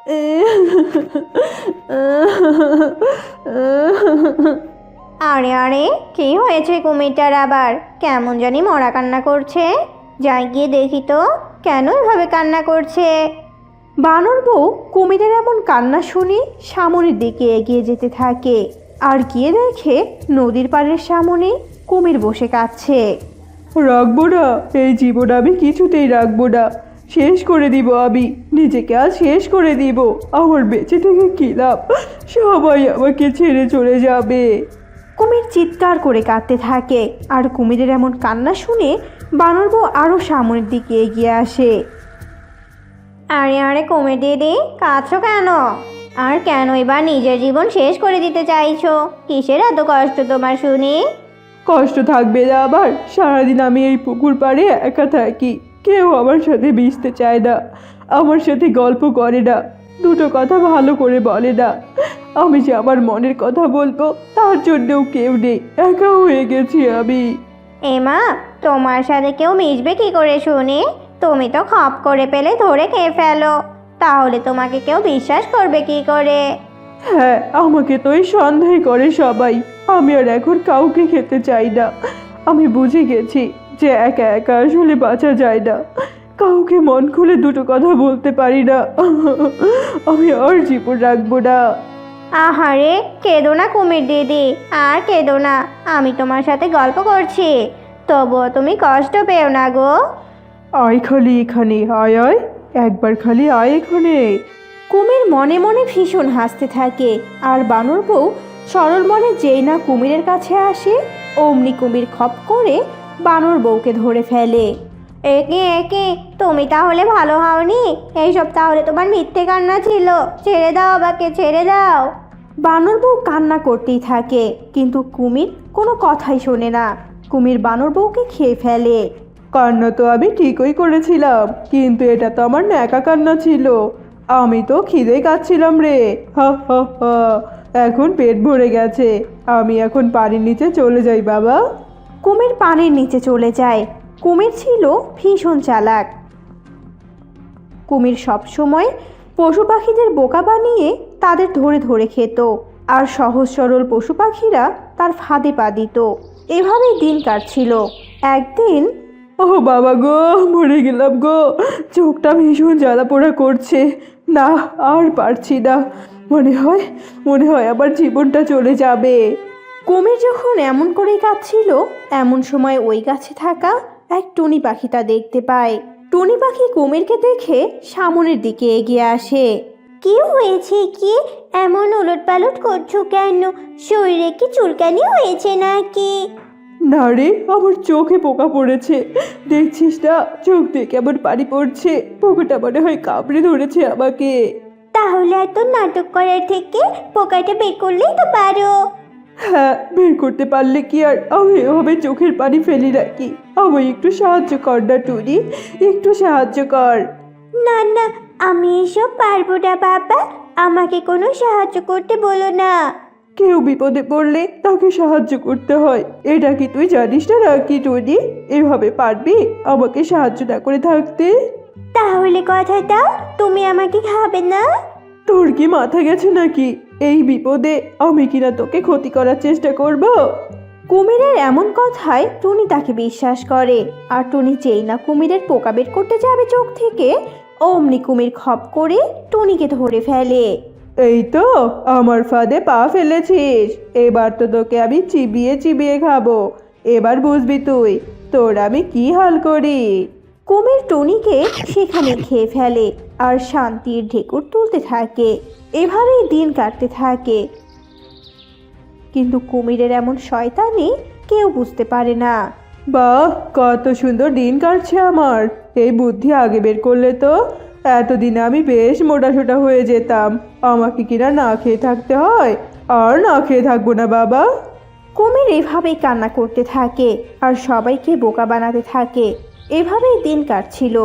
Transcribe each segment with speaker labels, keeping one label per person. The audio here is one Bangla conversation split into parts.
Speaker 1: আরে আরে, কি হয়েছে কুমিরটার আবার? কেমন জানি মরা কান্না করছে। যাই গিয়ে দেখি তো কেন এভাবে কান্না করছে। বানর বউ কুমিরের এমন কান্না শুনে সামনের দিকে এগিয়ে যেতে থাকে আর গিয়ে দেখে নদীর পাড়ের সামনে কুমির বসে কাঁদছে।
Speaker 2: রাখবো না, এই জীবন আমি কিছুতেই রাখবো না। শেষ করে দিব, আমি নিজেকে আজ শেষ করে দিব। আমার বেঁচে থেকে কি লাভ? সবাই আমাকে ছেড়ে চলে যাবে।
Speaker 1: কুমির চিৎকার করে কাঁদতে থাকে আর কুমিরের এমন কান্না শুনে বানর বউ আরও সামনের দিকে এগিয়ে আসে। আরে আরে কুমির দিদি, কাঁদছো কেন? আর কেন এবার নিজের জীবন শেষ করে দিতে চাইছো? কিসের এত কষ্ট তোমার শুনি?
Speaker 2: কষ্ট থাকবে না আবার? সারাদিন আমি এই পুকুর পাড়ে একা থাকি, কেউ আমার সাথে মিশতে চায় না, আমার সাথে গল্প করে না, দুটো কথা ভালো করে বলে না। আমি যে আমার মনের কথা বলবো তার জন্যও কেউ নেই, একা হয়ে গেছি আমি।
Speaker 1: এমা, তোমার সাথে কেউ মিশবে কি করে শুনি? তুমি তো খপ করে পেলে ধরে খেয়ে ফেলো, তাহলে তোমাকে কেউ বিশ্বাস করবে কি করে?
Speaker 2: হ্যাঁ, আমাকে তো এই সন্দেহ করে সবাই। আমি আর এখন কাউকে খেতে চাই না। আমি বুঝে গেছি যে একা একা আসলে বাঁচা যায় না, কাউকে মন খুলে দুটো কথা বলতে পারি না। আমি আর জীবন রাখবো না।
Speaker 1: আহারে, কেঁদো না কুমির দিদি, আর কেঁদো না। আমি তোমার সাথে গল্প করছি, তবুও তুমি কষ্ট পেও না গো।
Speaker 2: আয় খালি এখানে, আয় আয়, একবার খালি আয় এখানে।
Speaker 1: কুমির মনে মনে ভীষণ হাসতে থাকে আর বানর বউ সরল মনে যেই না কুমিরের কাছে আসে অমনি কুমির খপ করে বানর বউকে ধরে ফেলে। একে একে, তুমি তাহলে ভালো হওনি? এইসব তাহলে তোমার মিথ্যে কান্না ছিল। ছেড়ে দাও আমাকে, ছেড়ে দাও। বানর বউ কান্না করতেই থাকে কিন্তু কুমির কোনো কথাই শোনে না। কুমির বানর বউকে খেয়ে ফেলে।
Speaker 2: কান্না তো আমি ঠিকই করেছিলাম, কিন্তু এটা তো আমার ন্যাকা কান্না ছিল। আমি তো খিদে কাচ্ছিলাম রে। হা হা হা, এখন পেট ভরে গেছে। আমি এখন পানির নিচে চলে যাই বাবা।
Speaker 1: কুমির পানির নিচে চলে যায়। কুমির ছিল ভীষণ চালাক। কুমির সবসময় পশু পাখিদের বোকা বানিয়ে তাদের ধরে ধরে খেত আর সহজ সরল পশু পাখিরা তার ফাঁদে পা দিত। এভাবেই দিন কাটছিল। একদিন
Speaker 2: ও বাবা গো, মরে গেলাম গো। চোখটা ভীষণ জ্বালা পোড়া করছে। না, আর পারছি না। মনে হয় আবার জীবনটা চলে যাবে।
Speaker 1: কুমির যখন এমন করেই কাঁদছিল এমন সময় ওই গাছে থাকা এক টুনি পাখি তা দেখতে পায়। টুনি পাখি কুমিরকে দেখে সামনের দিকে এগিয়ে আসে। কি হয়েছে কি? এমন উলটপালট করছো কেন? শরীরে কি চুলকানি হয়েছে নাকি?
Speaker 2: না রে, আমার চোখে পোকা পড়েছে। দেখছিস না, চোখ দিয়ে কেমন পানি পড়ছে। পোকাটা মনে হয় কামড়ে ধরেছে আমাকে।
Speaker 1: তাহলে এত নাটক করার থেকে পোকাটা বের করলেই তো পারো।
Speaker 2: হ্যাঁ, বের করতে পারলে কি আর আমি এভাবে চোখের পানি ফেলি নাকি? আমায় একটু সাহায্য কর না টুনি, একটু সাহায্য কর।
Speaker 1: না না, আমি এসব পারবো না বাবা, আমাকে কোনো সাহায্য করতে বলো না।
Speaker 2: কেউ বিপদে পড়লে তাকে সাহায্য করতে হয়, এটা কি তুই জানিস না নাকি টুনি? এভাবে পারবি আমাকে সাহায্য না করে থাকতে?
Speaker 1: তাহলে কথা দাও, তুমি আমাকে খাবে না?
Speaker 2: তোর কি মাথা গেছে নাকি? এই বিপদে আমি কিনা তোকে ক্ষতি করার চেষ্টা করব?
Speaker 1: কুমিরের এমন কথায় টুনি তাকে বিশ্বাস করে আর টুনি যেই না কুমিরের পোকা বের করতে যাবে চোখ থেকে অমনি কুমির খপ করে টুনিকে ধরে ফেলে।
Speaker 2: এই তো আমার ফাঁদে পা ফেলেছিস, এবার তো তোকে আমি চিবিয়ে চিবিয়ে খাবো। এবার বুঝবি তুই তোর আমি কি হাল করি।
Speaker 1: কুমির টুনিকে সেখানে খেয়ে ফেলে আর শান্তির ঢেকুর তুলতে থাকে। এভাবেই দিন কাটতে থাকে কিন্তু কুমিরের এমন শয়তানি কেউ বুঝতে পারে না।
Speaker 2: বাহ, কত সুন্দর দিন কাটছে আমার। এই বুদ্ধি আগে বের করলে তো এতদিনে আমি বেশ মোটাসোটা হয়ে যেতাম। আমাকে কিনা না খেয়ে থাকতে হয়, আর না খেয়ে থাকবো না বাবা।
Speaker 1: কুমির এভাবেই কান্না করতে থাকে আর সবাইকে বোকা বানাতে থাকে। এভাবেই দিন কাটছিল।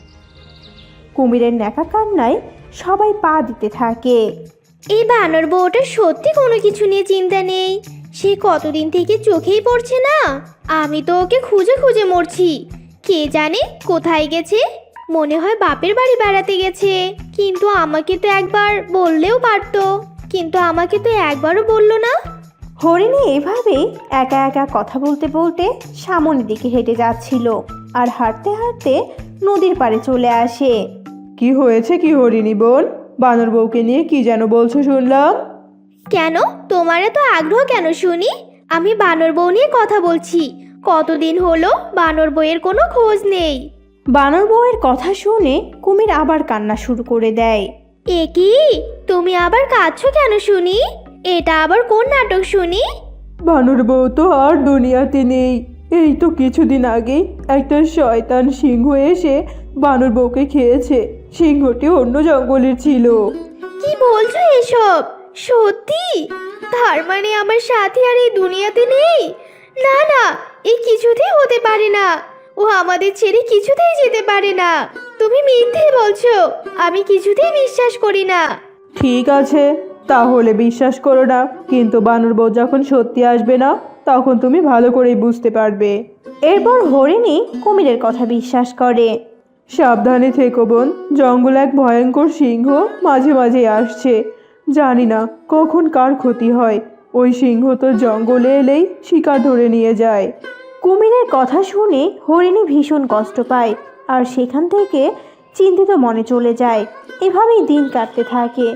Speaker 1: কুমিরের ন্যাকা কান্নায় সবাই পা দিতে থাকে।
Speaker 3: এই বানর বউটা সত্যি কোনো কিছু নিয়ে চিন্তা নেই। সে কতদিন থেকে চোখেই পড়ছে না। আমি তো ওকে খুঁজে খুঁজে মরছি, কে জানে কোথায় গেছে। মনে হয় বাপের বাড়ি বেড়াতে গেছে। কিন্তু আমাকে তো একবার বললেও পারতো, কিন্তু আমাকে তো একবারও বললো না।
Speaker 1: হরিণী এভাবে একা একা কথা বলতে বলতে সামনের দিকে হেঁটে যাচ্ছিল আর হাঁটতে হাঁটতে নদীর পাড়ে চলে আসে।
Speaker 2: কি হয়েছে কি হরিণী বোন? বানর বউকে নিয়ে কি যেন বলছো শুনলাম।
Speaker 3: কেন, তোমার এত আগ্রহ কেন শুনি? আমি বানর বউ নিয়ে কথা বলছি। কতদিন হলো বানর বউয়ের কোনো খোঁজ নেই।
Speaker 1: বানর বউয়ের কথা শুনে কুমির আবার কান্না শুরু করে দেয়।
Speaker 3: এ কি, তুমি আবার কাঁদছো কেন শুনি? এটা আবার কোন নাটক শুনি?
Speaker 2: বানর বউ তো আর দুনিয়াতে নেই। এই তো কিছুদিন আগে একটা শয়তান সিংহ এসে বানর বউকে খেয়েছে। সিংহটি অন্য জঙ্গলের ছিল।
Speaker 3: কি বলছো এসব? সত্যি? তার মানে আমার সাথী আর এই দুনিয়াতে নেই? না না, এই কিছুতেই হতে পারে না। ও আমাদের ছেড়ে কিছুতেই যেতে পারে না। তুমি মিথ্যে বলছো, আমি কিছুতেই বিশ্বাস করি না।
Speaker 2: ঠিক আছে, তাহলে বিশ্বাস করো না, কিন্তু বানর বউ যখন সত্যি আসবে না তখন তুমি ভালো করেই বুঝতে পারবে।
Speaker 1: এরপর হরিণী কুমিরের কথা বিশ্বাস করে।
Speaker 2: সাবধানে থেকো বোন, জঙ্গলে এক ভয়ঙ্কর সিংহ মাঝে মাঝে আসছে। জানি না কখন কার ক্ষতি হয়। ওই সিংহ তো জঙ্গলে এলেই শিকার ধরে নিয়ে যায়।
Speaker 1: কুমিরের কথা শুনে হরিণী ভীষণ কষ্ট পায় আর সেখান থেকে চিন্তিত মনে চলে যায়। এভাবেই দিন কাটতে থাকে।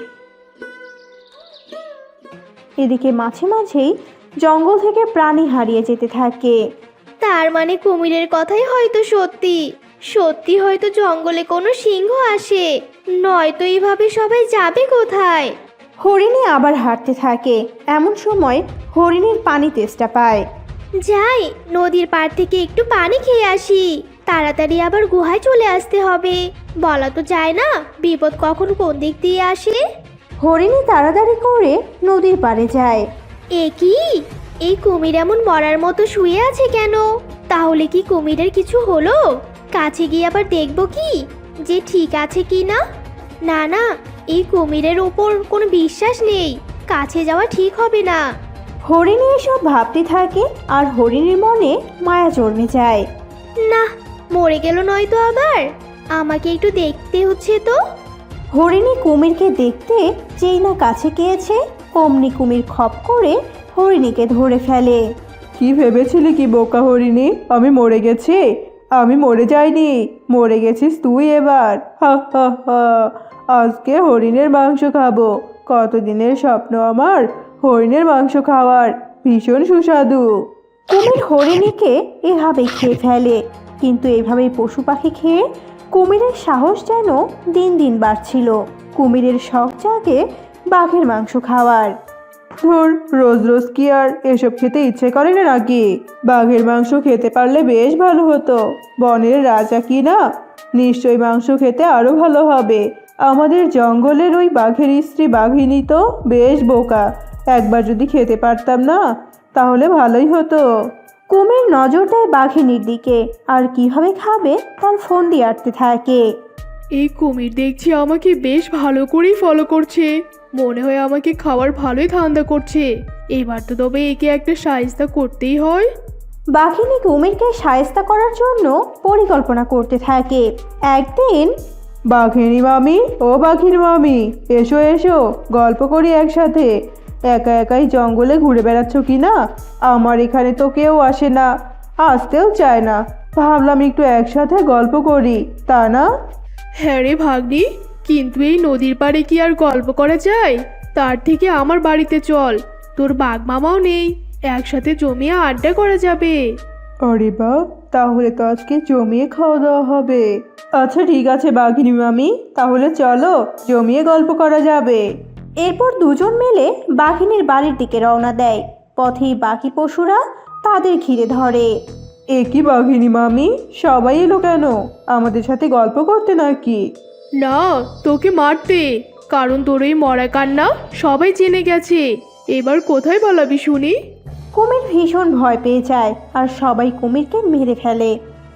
Speaker 1: এদিকে মাঝে মাঝেই জঙ্গল থেকে প্রাণী হারিয়ে যেতে থাকে।
Speaker 3: তার মানে কুমিরের কথাই হয়তো সত্যি। সত্যি হয়তো জঙ্গলে কোনো সিংহ আসে, নয়তো এইভাবে সবাই যাবে কোথায়?
Speaker 1: হরিণী আবার হাঁটতে থাকে। এমন সময় হরিণীর পানি তেষ্টা পায়।
Speaker 3: যাই, নদীর পাড় থেকে একটু পানি খেয়ে আসি। তাড়াতাড়ি আবার গুহায় চলে আসতে হবে। বলা তো যায় না বিপদ কখন কোন দিক দিয়ে আসে।
Speaker 1: হরিণী তাড়াতাড়ি করে নদীর পাড়ে যায়।
Speaker 3: এ কি, এই কুমির এমন মরার মতো শুয়ে আছে কেন? তাহলে কি কুমিরের কিছু হলো? কাছে গিয়ে আবার দেখবো কি যে ঠিক আছে কি না। না না, এই কুমিরের ওপর কোনো বিশ্বাস নেই। কাছে যাওয়া ঠিক হবে না।
Speaker 1: হরিণী এসব ভাবতে থাকে আর হরিণীর মনে মায়া জন্মে যায়।
Speaker 3: না, মরে গেল নয়তো আবার। আমাকে একটু দেখতে হচ্ছে তো।
Speaker 1: হরিণী কুমিরকে দেখতে যেই না কাছে গিয়েছে অমনি কুমির খপ করে হরিণীকে ধরে ফেলে।
Speaker 2: কি ভেবেছিলি কি বোকা হরিণী, আমি মরে গেছি? আমি মরে যাইনি, মরে গেছিস তুই এবার। হা হা হা, আজকে হরিণের মাংস খাবো। কতদিনের স্বপ্ন আমার হরিণের মাংস খাওয়ার, ভীষণ সুস্বাদু।
Speaker 1: কুমির হরিণীকে এভাবে খেয়ে ফেলে। কিন্তু এভাবেই পশু পাখি খেয়ে কুমিরের সাহস যেন দিন দিন বাড়ছিল। কুমিরের শখ জাগে বাঘের মাংস খাওয়ার।
Speaker 2: ধুর, রোজ রোজ কি আর এসব খেতে ইচ্ছে করে না নাকি? বাঘের মাংস খেতে পারলে বেশ ভালো হতো। বনের রাজা কি না, নিশ্চয়ই মাংস খেতে আরো ভালো হবে। আমাদের জঙ্গলের ওই বাঘের স্ত্রী বাঘিনী তো বেশ বোকা। একবার যদি খেতে পারতাম না তাহলে ভালোই হতো।
Speaker 1: কুমির নজর দেয় বাঘিনীর দিকে আর কিভাবে খাবে তার ফোন দিয়ে আটতে থাকে।
Speaker 4: এই কুমির দেখছি আমাকে বেশ ভালো করেই ফলো করছে। মনে হয় আমাকে খাওয়ার ভালোই ধান্দা করছে। এবার তো তবে একে একটা সাহায্য করতেই হয়।
Speaker 1: বাঘিনী কুমিরকে সায়স্তা করার জন্য পরিকল্পনা করতে থাকে। একদিন
Speaker 2: বাঘিনী মামি, ও বাঘিনী মামি, এসো এসো, গল্প করি একসাথে। একা একাই জঙ্গলে ঘুরে বেড়াচ্ছ কি না? আমার এখানে তো কেউ আসে না, আসতেও চায় না। ভাবলাম একটু একসাথে গল্প করি, তা না?
Speaker 4: হ্যাঁ রে ভাগ্নি, কিন্তু এই নদীর পাড়ে কি আর গল্প করা যায়? তার থেকে আমার বাড়িতে চল, তোর বাঘ মামাও নেই, একসাথে জমিয়ে আড্ডা করা যাবে।
Speaker 2: আরে বা, তাহলে তো আজকে জমিয়ে খাওয়া দাওয়া হবে। আচ্ছা ঠিক আছে বাঘিনী মামি, তাহলে চলো জমিয়ে গল্প করা যাবে।
Speaker 1: এরপর দুজন মিলে বাঘিনীর বাড়ির দিকে রওনা দেয়। পথেই বাকি পশুরা তাদের ঘিরে ধরে।
Speaker 2: এ কি বাঘিনী মামি, সবাই এলো কেন? আমাদের সাথে গল্প করতে নাকি?
Speaker 4: না, তোকে মারতে। কারণ তোর এই মরা কান্না সবাই জেনে গেছে। এবার কোথায় বলাবি শুনি?
Speaker 1: কুমির ভীষণ ভয় পেয়ে যায় আর সবাই কুমিরকে মেরে ফেলে।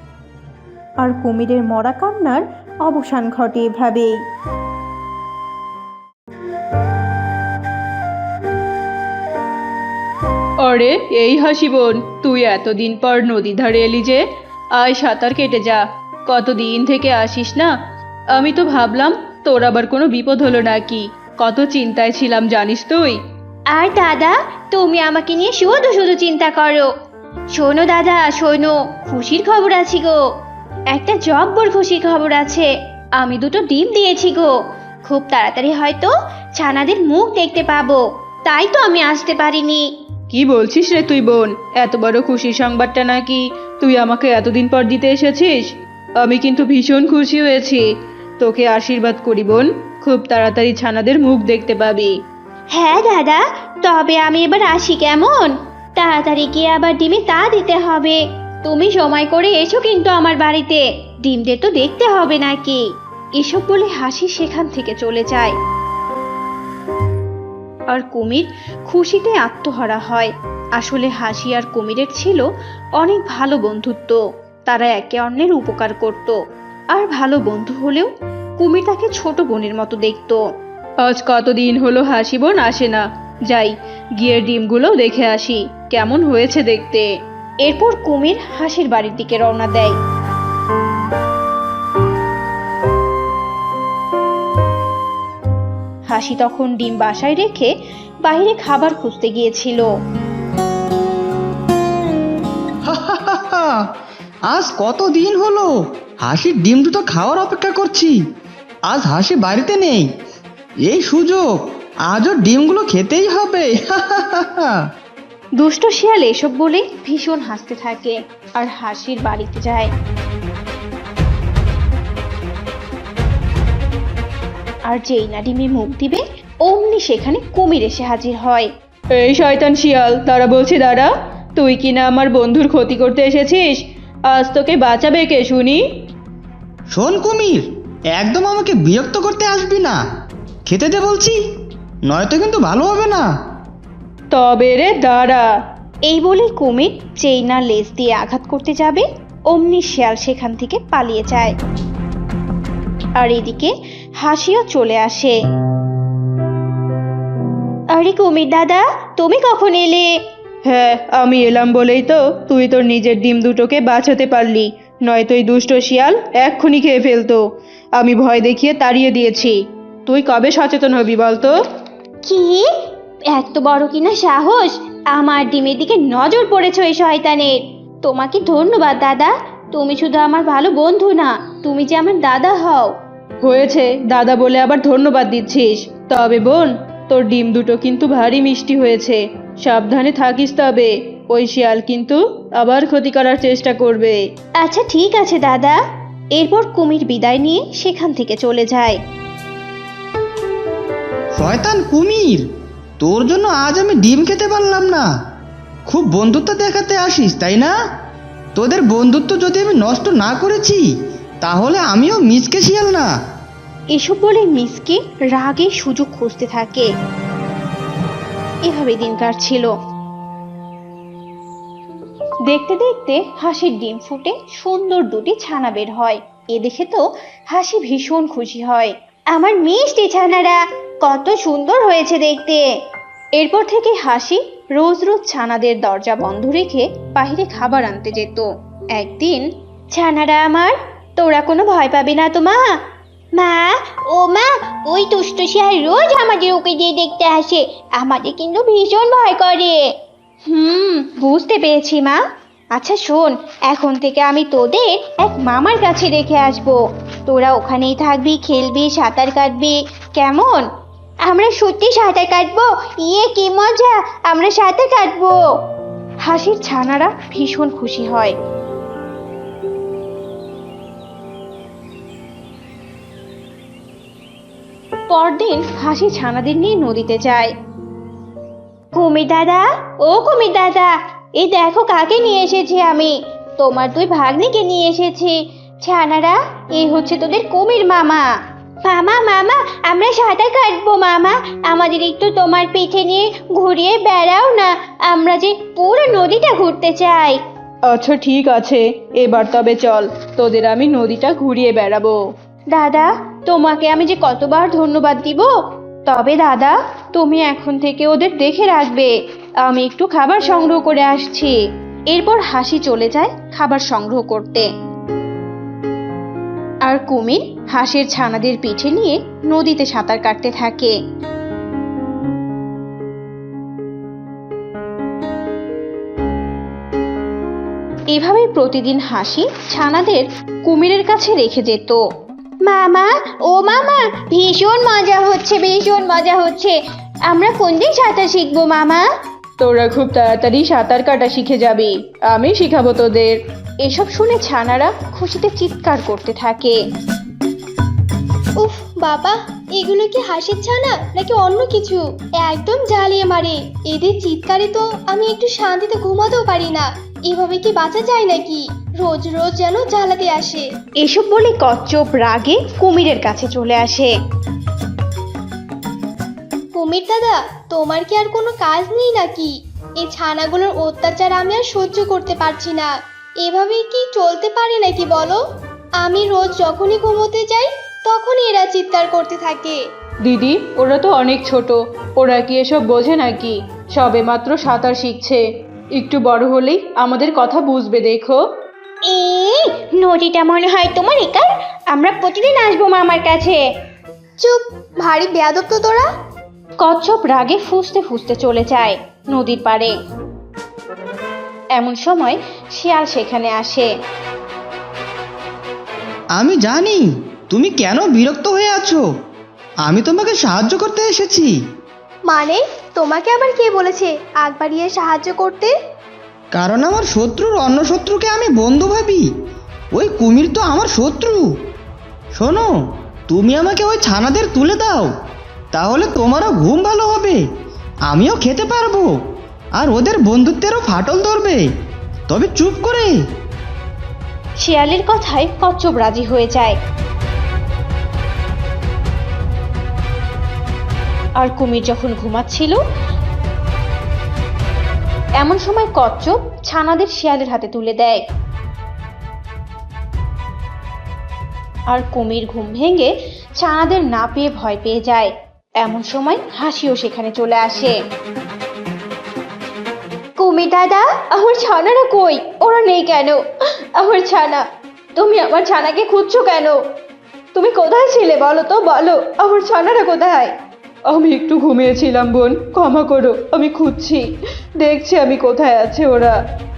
Speaker 1: আর কুমিরের মরা কান্নার অবসান ঘটে এভাবেই।
Speaker 5: আরে এই হাসি বোন, তুই এতদিন পর নদী ধারে এলি যে? আয় সাঁতার কেটে যা। কতদিন থেকে আসিস না। আমি তো ভাবলাম তোর আবার কোনো বিপদ হলো নাকি। কত চিন্তায় ছিলাম জানিস তুই।
Speaker 3: আর দাদা, তুমি আমাকে নিয়ে শুধু শুধু চিন্তা করো। শোনো দাদা, শোনো, খুশির খবর আছে গো। একটা জব্বর খুশির খবর আছে। আমি দুটো ডিম দিয়েছি গো। খুব তাড়াতাড়ি হয়তো ছানাদের মুখ দেখতে পাবো। তাই তো আমি আসতে পারিনি।
Speaker 5: কি বলছিস রে তুই বোন? এত বড় খুশির সংবাদটা নাকি তুই আমাকে এতদিন পর দিতে এসেছিস? আমি কিন্তু ভীষণ খুশি হয়েছি। তোকে আশীর্বাদ করি বোন, খুব তাড়াতাড়ি ছানাদের মুখ দেখতে পাবি।
Speaker 3: হ্যাঁ দাদা, তবে আমি এবার আসি কেমন? তাড়াতাড়ি গিয়ে আবার ডিমে তা দিতে হবে। তুমি সময় করে এসো কিন্তু আমার বাড়িতে। ডিমদের তো দেখতে হবে নাকি।
Speaker 1: এসব বলে হাসি সেখান থেকে চলে যায়। আর কুমির খুশিতে আত্মহারা হয়। আসলে হাসি আর কুমিরের ছিল অনেক ভালো বন্ধুত্ব। তারা একে অন্যের উপকার করত। আর ভালো বন্ধু হলেও কুমির তাকে ছোট বোনের মতো দেখতো।
Speaker 5: আজ কতদিন হলো হাসি বোন আসে না। যাই গিয়ে ডিমগুলো দেখে আসি কেমন হয়েছে দেখতে।
Speaker 1: এরপর কুমির হাসির বাড়ির দিকে রওনা দেয়। হাসি তখন ডিম বাসায় রেখে বাইরে খাবার খুঁজতে গিয়েছিল।
Speaker 6: আজ কত দিন হলো হাসির ডিম দুটো খাওয়ার অপেক্ষা করছি। আজ হাসি বাড়িতে নেই, এই সুযোগ আজও ডিমগুলো খেতেই হবে।
Speaker 1: দুষ্ট শিয়াল এসব বলে ভীষণ হাসতে থাকে আর হাসির বাড়িতে যায়। আর যেই না ডিমে মুখ দিবে অমনি সেখানে কুমির এসে হাজির হয়।
Speaker 5: এই শয়তান শিয়াল, দাঁড়া বলছি দাঁড়া। তুই কি না আমার বন্ধুর ক্ষতি করতে এসেছিস? আজ তোকে বাঁচাবে কে শুনি?
Speaker 6: শোন কুমির, একদম আমাকে বিরক্ত করতে আসবি না। খেতে দে বলছি, নয়তো কিন্তু ভালো হবে না।
Speaker 5: তবে রে দাঁড়া।
Speaker 1: এই বলে কুমির যেই না লেজ দিয়ে আঘাত করতে যাবে অমনি শিয়াল সেখান থেকে পালিয়ে যায়। আর এদিকে হাসিও চলে আসে।
Speaker 3: আরে কুমির দাদা, তুমি কখন এলে?
Speaker 5: হ্যাঁ, আমি এলাম বলেই তো তুই তোর নিজের ডিম দুটোকে বাঁচাতে পারলি, নয়তো এই দুষ্ট শিয়াল এক্ষুনি খেয়ে ফেলতো। আমি ভয় দেখিয়ে তাড়িয়ে দিয়েছি। তুই কবে সচেতন হবি বলতো?
Speaker 3: কি এত বড় কিনা সাহস! আমার ডিমের দিকে নজর পড়েছ এই শয়তানের। তোমাকে ধন্যবাদ দাদা। তুমি শুধু আমার ভালো বন্ধু না, তুমি যে আমার দাদা হও।
Speaker 5: হয়েছে, দাদা বলে আবার ধন্যবাদ দিচ্ছিস। তবে বোন, তোর ডিম দুটো কিন্তু ভারী মিষ্টি হয়েছে। সাবধানে থাকিস তবে, ওই শিয়াল কিন্তু আবার ক্ষতি করার চেষ্টা করবে।
Speaker 1: আচ্ছা ঠিক আছে দাদা। এরপর কুমির বিদায় নিয়ে সেখান থেকে চলে যায়।
Speaker 6: শয়তান কুমির, তোর জন্য আজ আমি ডিম খেতে পারলাম না। খুব বন্ধুত্ব দেখাতে আসিস তাই না? তোদের বন্ধুত্ব যদি আমি নষ্ট না করেছি তাহলে আমিও মিচকে শিয়াল না।
Speaker 1: এসব বলে মিসকে রাগে সুযোগ খুঁজতে থাকে। এভাবে দিন কাটছিল। দেখতে দেখতে হাসির ডিম ফুটে সুন্দর দুটি ছানা বের হয়। এ দেখে তো হাসি ভীষণ খুশি হয়।
Speaker 3: আমার মিষ্টি ছানারা কত সুন্দর হয়েছে দেখতে।
Speaker 1: এরপর থেকে হাসি রোজ রোজ ছানাদের দরজা বন্ধ রেখে বাইরে খাবার আনতে যেত। একদিন,
Speaker 3: ছানারা আমার, তোরা কোনো ভয় পাবি না তো মা? মা, ও মা, ওই দুষ্ট শিয়াল রোজ আমাদের ওকে দিয়ে দেখতে আসে। আমাদের কিন্তু ভীষণ ভয় করে।
Speaker 1: বুঝতে পেরেছি মা। আচ্ছা শোন, এখন থেকে আমি তোদের এক মামার কাছে রেখে আসবো। তোরা ওখানেই থাকবি, খেলবি, সাঁতার কাটবি, কেমন?
Speaker 3: আমরা সত্যি সাঁতার কাটবো? ইয়ে কি মজা, আমরা সাঁতার কাটবো।
Speaker 1: হাসির ছানারা ভীষণ খুশি হয়। পরদিন হাসি ছানাদের নিয়ে নদীতে যায়।
Speaker 3: কুমির দাদা, ও কুমির দাদা, এই দেখো কাকে নিয়ে এসেছি আমি। তোমার দুই ভাগ্নিকে নিয়ে এসেছি। ছানারা, এই হচ্ছে তোদের কুমির মামা। মামা মামা, আমরা সাঁতার কাটবো মামা। আমাদের একটু তোমার পিঠে নিয়ে ঘুরিয়ে বেড়াও না। আমরা যে পুরো নদীটা ঘুরতে চাই।
Speaker 5: আচ্ছা ঠিক আছে, এবার তবে চল, তোদের আমি নদীটা ঘুরিয়ে বেড়াবো।
Speaker 1: দাদা, তোমাকে আমি যে কতবার ধন্যবাদ দিব। তবে দাদা, তুমি এখন থেকে ওদের দেখে রাখবে। আমি একটু খাবার সংগ্রহ করে আসছি। এরপর হাসি চলে যায় খাবার সংগ্রহ করতে। আর কুমির হাঁসের ছানাদের পিঠে নিয়ে নদীতে সাঁতার কাটতে থাকে। এভাবে প্রতিদিন হাসি ছানাদের কুমিরের কাছে রেখে যেত।
Speaker 3: মামা, ও মামা, ভীষণ মজা হচ্ছে, ভীষণ মজা হচ্ছে। আমরা কোন দিন সাঁতার শিখবো মামা?
Speaker 5: তোরা খুব তাড়াতাড়ি সাঁতার কাটা শিখে যাবি, আমি শিখাবো তোদের।
Speaker 1: এসব শুনে ছানারা খুশিতে চিৎকার করতে থাকে।
Speaker 3: উফ বাবা, এগুলো কি হাসির ছানা নাকি অন্য কিছু? একদম জ্বালিয়ে মারে। এদের চিৎকারে তো আমি একটু শান্তিতে ঘুমাতেও পারি না। এভাবে কি বাঁচা যায় নাকি? রোজ রোজ যেন জ্বালাতে আসে।
Speaker 1: এসব বলে কচ্ছপ রাগে কুমিরের কাছে চলে আসে।
Speaker 3: কুমির দাদা, তোমার কি আর কোনো কাজ নেই নাকি? এই ছানাগুলোর অত্যাচার আমি আর সহ্য করতে পারছি না। এভাবে কি চলতে পারে নাকি বলো? আমি রোজ যখনই ঘুমোতে যাই তখনই এরা চিৎকার করতে থাকে।
Speaker 5: দিদি, ওরা তো অনেক ছোট, ওরা কি এসব বোঝে নাকি? সবে মাত্র সাঁতার শিখছে, একটু বড় হলেই আমাদের কথা বুঝবে দেখো।
Speaker 3: নদীটা মনে হয় তোমার একার। আমরা প্রতিদিন আসবো মামার কাছে। চুপ, ভারী বেয়াদব তো তোরা।
Speaker 1: কচ্ছপ রাগে ফুঁসতে ফুঁসতে চলে যায় নদীর পাড়ে। এমন সময় শিয়াল সেখানে আসে।
Speaker 6: আমি জানি তুমি কেন বিরক্ত হয়ে আছো। আমি তোমাকে সাহায্য করতে এসেছি।
Speaker 3: মানে, তোমাকে আবার কে বলেছে আগ বাড়িয়ে সাহায্য করতে?
Speaker 6: কারণ আমার শত্রুর অন্য শত্রুকে আমি বন্ধু ভাবি। ওই কুমির তো আমার শত্রু। শোনো, তুমি আমাকে ওই ছানাদের তুলে দাও, তাহলে তোমারও ঘুম ভালো হবে, আমিও খেতে পারবো, আর ওদের বন্ধুত্বেরও ফাটল ধরবে। তবে চুপ করে।
Speaker 1: শিয়ালের কথায় কচ্ছপ রাজি হয়ে যায়। আর কুমির যখন ঘুমাচ্ছিল এমন সময় কচ্ছপ ছানাদের শিয়ালের হাতে তুলে দেয়। আর কুমির ঘুম ভেঙে ছানাদের না পেয়ে ভয় পেয়ে যায়। এমন সময় হাসিও সেখানে চলে আসে।
Speaker 3: কুমির দাদা,
Speaker 1: আমার ছানারা কই? ওরা নেই কেন? আমার ছানা, তুমি আমার ছানাকে খুঁজছো কেন? তুমি কোথায় ছিলে বলো তো, বলো আমার ছানারা কোথায়?
Speaker 5: আমি একটু ঘুমিয়েছিলাম বোন, ক্ষমা করো, আমি খুঁজছি, দেখছি আমি কোথায় আছে ওরা।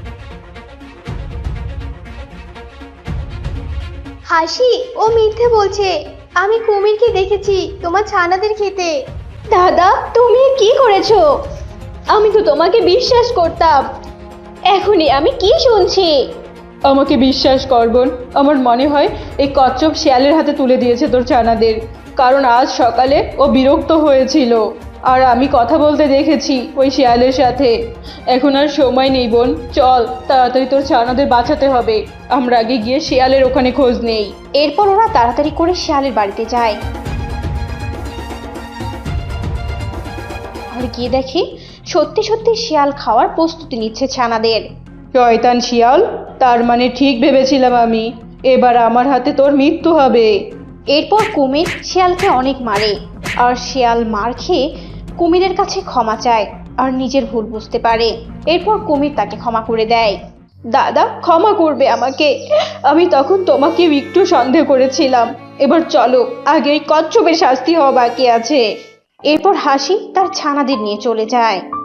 Speaker 3: হাসি, ও মিথ্যে বলছে। আমি কুমিরকে দেখেছি তোমার ছানাদের খেতে।
Speaker 1: দাদা, তুমি কি করেছো? আমি তো তোমাকে বিশ্বাস করতাম, এখনই আমি কি শুনছি?
Speaker 5: আমাকে বিশ্বাস কর বোন, আমার মনে হয় এই কচ্ছপ শিয়ালের হাতে তুলে দিয়েছে তোর ছানাদের, কারণ আজ সকালে ও বিরক্ত হয়েছিল আর আমি কথা বলতে দেখেছি ওই শিয়ালের সাথে। এখন আর সময় নেই বোন, চল তাড়াতাড়ি তোর ছানাদের বাঁচাতে হবে। আমরা আগে গিয়ে শিয়ালের ওখানে খোঁজ নেই।
Speaker 1: এরপর ওরা তাড়াতাড়ি করে শিয়ালের বাড়িতে যায়। আর গিয়ে দেখে সত্যি সত্যি শিয়াল খাওয়ার প্রস্তুতি নিচ্ছে ছানাদের।
Speaker 5: শয়তান শিয়াল, তার মানে ঠিক ভেবেছিলাম আমি, এবার আমার হাতে তোর মৃত্যু হবে।
Speaker 1: এরপর কুমির শিয়ালকে অনেক মারে, আর শিয়াল মার খেয়ে কুমিরের কাছে ক্ষমা চায় আর নিজের ভুল বুঝতে পারে। এরপর কুমির তাকে ক্ষমা করে দেয়।
Speaker 5: দাদা, ক্ষমা করবে আমাকে, আমি তখন তোমাকে একটু সন্দেহ করেছিলাম। এবার চলো, আগে এই কচ্ছপের শাস্তি হওয়া বাকি আছে।
Speaker 1: এরপর হাসি তার ছানাদের নিয়ে চলে যায়।